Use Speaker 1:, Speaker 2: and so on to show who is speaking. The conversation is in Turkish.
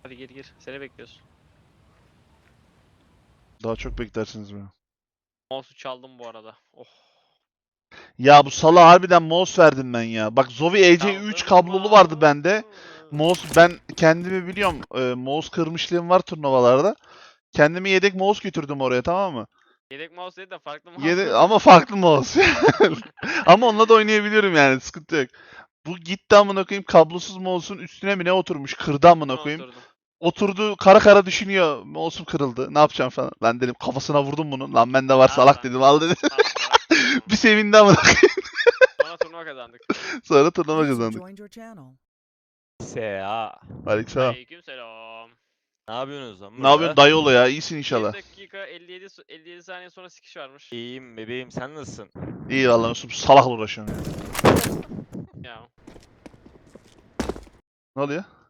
Speaker 1: Hadi gir gir. Seni bekliyoruz.
Speaker 2: Daha çok beklersiniz beni.
Speaker 1: Mouse'u çaldım bu arada. Oh.
Speaker 2: Ya bu sala harbiden mouse verdim ben ya. Bak Zowie EC3
Speaker 1: Çaldın
Speaker 2: kablolu vardı
Speaker 1: mouse'u.
Speaker 2: bende. Mouse ben kendimi biliyorum. Mouse kırmışlığım var turnuvalarda. Kendime yedek mouse götürdüm oraya, tamam mı?
Speaker 1: Yedek mouse değil de farklı mouse.
Speaker 2: Yedek, ama farklı mouse. Ama onunla da oynayabiliyorum yani, sıkıntı yok. Bu gitti amına koyayım, kablosuz mouse'un üstüne mi ne oturmuş, kırdı amına
Speaker 1: Ben
Speaker 2: koyayım.
Speaker 1: oturdum.
Speaker 2: Oturdu kara kara düşünüyor. Mouse'um kırıldı. Ne yapacağım falan. Ben dedim kafasına vurdum bunu. Lan bende var
Speaker 1: Al
Speaker 2: salak
Speaker 1: lan.
Speaker 2: dedim, al dedi.
Speaker 1: Al salak dedim ama.
Speaker 2: Bir sevindi amına koyayım.
Speaker 1: Sonra turnuva kazandık.
Speaker 2: Sonra turnuva
Speaker 3: User
Speaker 2: kazandık.
Speaker 3: joined your channel.
Speaker 4: S.A.
Speaker 2: Aleykümselam.
Speaker 1: Aleykümselam.
Speaker 4: Ne yapıyorsunuz lan
Speaker 2: Ne yapıyorsun
Speaker 4: burada?
Speaker 2: dayıoğlu ya? İyisin
Speaker 1: 1
Speaker 2: inşallah.
Speaker 1: dakika 57 saniye sonra sikiş varmış.
Speaker 4: İyiyim bebeğim, sen nasılsın?
Speaker 2: İyi vallahi Mesut, salakla uğraşıyorum ya.
Speaker 1: Ya.
Speaker 2: Ne oluyor?